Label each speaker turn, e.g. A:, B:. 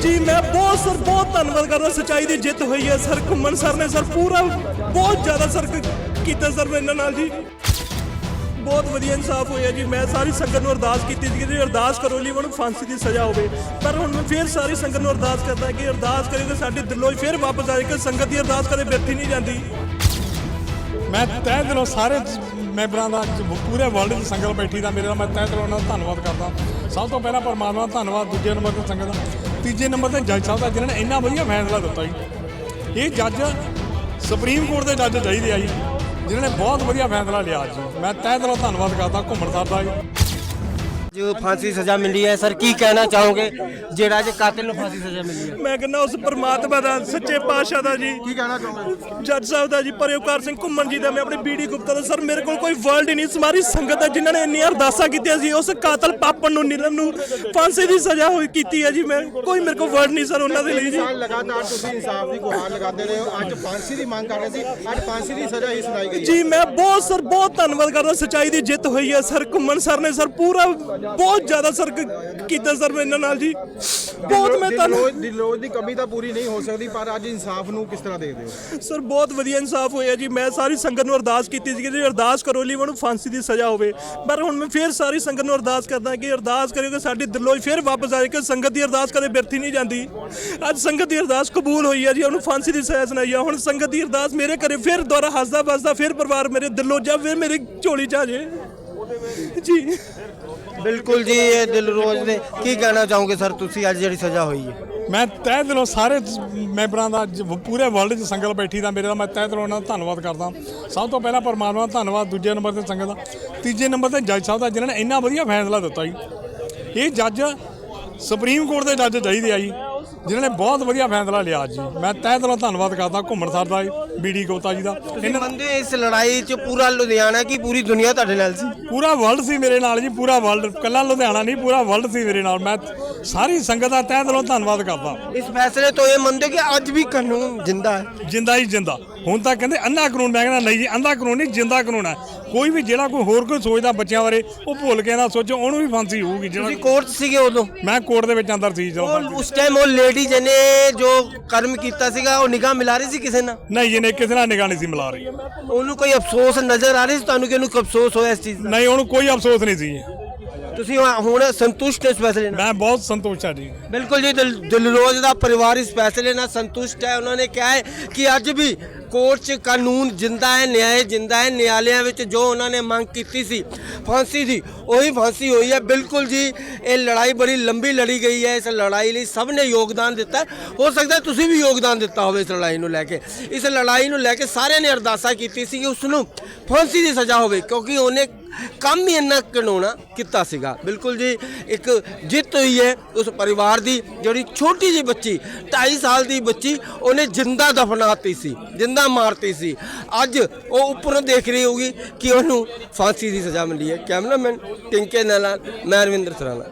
A: जी मैं बहुत धन्यवाद करदा, सच्चाई की जित हुई है सर। घुम्मन सर ने सर पूरा बहुत ज़्यादा सर किया सर मेरे नाल जी, बहुत वधिया इंसाफ होया जी। मैं सारी संगत नूं अरदास कीती सी कि अरदास करो ली उन्होंने फांसी की सज़ा होवे, पर हुण मैं फिर सारी संगत नूं अरदास करदा कि अरदास करियो कि साडे दिलों फिर वापस आए कि संगत की अरदास कदे व्यर्थी नहीं जाती।
B: मैं तह दिलों सारे मैंबरां दा पूरे वर्ल्ड की संगत बैठी दा मेरे मैं तह दिलों उन्हां दा धन्नवाद करदा। सब तो पहला परमात्मा दा धन्नवाद, दूजे नंबर ते संगत दा, तीजे नंबर ते जज साहब दा जिन्होंने इन्ना वधिया फैसला दिता जी। ये जज सुप्रीम कोर्ट के जज चाहिए आ जी, जिन्होंने बहुत वधिया फैसला लिया जी। मैं तह दिलों धन्नवाद करदा घुम्मन साहब दा जी।
C: जो फांसी सज़ा मिली है सर, की कहना चाहोगे जेड़ा जे कातिल नूं फांसी सज़ा मिली है?
A: मैं कहना उस परमात्मा का सच्चे पातशाह का जी,
C: की कहना चाहोगे?
A: जज साहब का जी, परेवकार सिंह घुम्मन जी का, मैं अपने बीडी गुप्ता का सर। मेरे को कोई वर्ड ही नहीं, सारी संगत है जिन्होंने इन्नी अरदासा की उस कातल पापन नूं नीलम नूं फांसी की सज़ा की है जी। मैं कोई मेरे को वर्ड नहीं सर उन्होंने लिए जी।
D: लगातार तुसीं इंसाफ की गुहार लगाते रहे हो, अज फांसी की मांग कर रहे थे, अज फांसी की सज़ा ही सुनाई गई
A: जी। मैं बहुत धन्यवाद करदा, सच्चाई की जित हुई है सर। घुम्मन सर ने सर पूरा बहुत ज़्यादा सर किया सर मेरे नाल जी, बहुत मैं
D: दिलों की कमी तो पूरी नहीं हो सकती, पर अज इंसाफ नूं किस तरह देखते हो
A: सर? बहुत वधिया इंसाफ होया जी। मैं सारी संगत नूं अरदास कीती सी कि अरदास करो ली उन्होंने फांसी की सज़ा होवे, पर हुण मैं फिर सारी संगत नूं अरदास करदा कि अरदास करियो कि साडे दिलों फिर वापस आए कि संगत की अरदास कदे व्यर्थी नहीं जाती। अज संगत की अरदास कबूल हुई है जी, उन्होंने फांसी की सज़ा सुनाई है। हुण संगत की अरदास मेरे घरे फिर दोबारा हसदा बसदा फिर परिवार मेरे दिलों जा फिर मेरी झोली च आ जाए जी।
C: बिल्कुल जी, ये दिलरोज ने की कहना चाहोगे सर तुसी अज जिहड़ी सज़ा हुई है?
B: मैं तह दिलों सारे मैंबरां दा पूरे वर्ल्ड की संगत बैठी दा मेरे मैं तह दिलों उन्हां दा धन्नवाद करदा। सब तो पहला परमात्मा दा धन्नवाद, दूजे नंबर ते संगत दा, तीजे नंबर ते जज साहब दा जिन्होंने इन्ना वधिया फैसला दिता जी। ये जज सुप्रीम कोर्ट के जज चाहिए आ जी, जिन्होंने बहुत वधिया फैसला लिया जी। मैं तह दिलों धन्नवाद करदा घुम्मन साहब दा, बीडी गुप्ता जी दा।
C: मंदे इस लड़ाई च पूरा लुधियाना की पूरी दुनिया तुहाडे नाल सी?
B: पूरा वर्ल्ड सी मेरे नाल जी, पूरा वर्ल्ड, कल्ला लुधियाना नहीं पूरा वर्ल्ड सी मेरे नाल। मैं सारी संगत दा तह दिलों धन्नवाद करदा।
C: इस फैसले तो ये मनदे कि अज भी कानून जिंदा है?
B: जिंदा ही जिंदा। हुण तां कहंदे अंधा कानून, मैं कहना नहीं जी, अंधा कानून नहीं, जिंदा कानून है। कोई भी ਜਿਹੜਾ ਕੋਈ ਹੋਰ ਕੋਈ ਸੋਚਦਾ ਬੱਚਿਆਂ ਬਾਰੇ ਉਹ ਭੁੱਲ ਕੇ ਨਾ ਸੋਚੋ, ਉਹਨੂੰ ਵੀ ਫਾਂਸੀ ਹੋਊਗੀ।
C: ਤੁਸੀਂ ਕੋਰਟ ਸੀਗੇ ਉਦੋਂ?
B: ਮੈਂ ਕੋਰਟ ਦੇ ਵਿੱਚ ਅੰਦਰ ਸੀ ਜਦੋਂ।
C: ਉਸ ਟਾਈਮ ਉਹ ਲੇਡੀ ਜਿਹਨੇ ਜੋ ਕਰਮ ਕੀਤਾ ਸੀਗਾ ਉਹ ਨਿਗਾਹ ਮਿਲਾ ਰਹੀ ਸੀ ਕਿਸੇ ਨਾਲ?
B: ਨਹੀਂ ਜਿਹਨੇ ਕਿਸੇ ਨਾਲ ਨਿਗਾਹ ਨਹੀਂ ਸੀ ਮਿਲਾ ਰਹੀ।
C: ਉਹਨੂੰ ਕੋਈ ਅਫਸੋਸ ਨਜ਼ਰ ਆ ਰਿਹਾ ਸੀ ਤੁਹਾਨੂੰ ਕਿ ਉਹਨੂੰ ਅਫਸੋਸ ਹੋਇਆ ਇਸ ਚੀਜ਼ ਦਾ?
B: ਨਹੀਂ, ਉਹਨੂੰ ਕੋਈ ਅਫਸੋਸ ਨਹੀਂ ਸੀ।
C: ਤੁਸੀਂ ਹੁਣ ਸੰਤੁਸ਼ਟ ਇਸ ਫੈਸਲੇ ਨਾਲ?
B: ਮੈਂ ਬਹੁਤ ਸੰਤੁਸ਼ਟ ਹਾਂ ਜੀ।
C: ਬਿਲਕੁਲ ਜੀ, ਦਿਲਰੋਜ਼ ਦਾ ਪਰਿਵਾਰ ਇਸ ਫੈਸਲੇ ਨਾਲ ਸੰਤੁਸ਼ਟ ਹੈ। ਉਹਨਾਂ ਨੇ ਕਿਹਾ ਹੈ ਕਿ ਅੱਜ ਵੀ ਕੋਰਟ 'ਚ ਕਾਨੂੰਨ ਜਿੰਦਾ ਹੈ, ਨਿਆਂ ਜਿੰਦਾ ਹੈ। ਨਿਆਲਿਆਂ ਵਿੱਚ ਜੋ ਉਹਨਾਂ ਨੇ ਮੰਗ ਕੀਤੀ ਸੀ ਫਾਂਸੀ ਦੀ, ਉਹੀ ਫਾਂਸੀ ਹੋਈ ਹੈ। ਬਿਲਕੁਲ ਜੀ, ਇਹ ਲੜਾਈ ਬੜੀ ਲੰਬੀ ਲੜੀ ਗਈ ਹੈ। ਇਸ ਲੜਾਈ ਲਈ ਸਭ ਨੇ ਯੋਗਦਾਨ ਦਿੱਤਾ। ਹੋ ਸਕਦਾ ਤੁਸੀਂ ਵੀ ਯੋਗਦਾਨ ਦਿੱਤਾ ਹੋਵੇ ਇਸ ਲੜਾਈ ਨੂੰ ਲੈ ਕੇ। ਇਸ ਲੜਾਈ ਨੂੰ ਲੈ ਕੇ ਸਾਰਿਆਂ ਨੇ ਅਰਦਾਸਾਂ ਕੀਤੀ ਸੀ ਕਿ ਉਸ ਨੂੰ ਫਾਂਸੀ ਦੀ ਸਜ਼ਾ ਹੋਵੇ, ਕਿਉਂਕਿ ਉਹਨੇ ਕੰਮ ਹੀ ਇੰਨਾ ਘਿਨਾਉਣਾ ਕੀਤਾ ਸੀਗਾ। ਬਿਲਕੁਲ ਜੀ, ਇੱਕ ਜਿੱਤ ਹੋਈ ਹੈ ਉਸ ਪਰਿਵਾਰ ਦੀ। ਜਿਹੜੀ ਛੋਟੀ ਜਿਹੀ ਬੱਚੀ 2.5 ਸਾਲ ਦੀ ਬੱਚੀ ਉਹਨੇ ਜਿੰਦਾ ਦਫਨਾਤੀ ਸੀ, ਜਿੰਦਾ ਮਾਰਤੀ ਸੀ। ਅੱਜ ਉਹ ਉੱਪਰੋਂ ਦੇਖ ਰਹੀ ਹੋਊਗੀ ਕਿ ਉਹਨੂੰ ਫਾਂਸੀ ਦੀ ਸਜ਼ਾ ਮਿਲੀ ਹੈ। ਕੈਮਰਾਮੈਨ ਟਿੰਕੇ ਨਾਲ ਮੈਂ ਰਵਿੰਦਰ ਸਰਾਣਾ।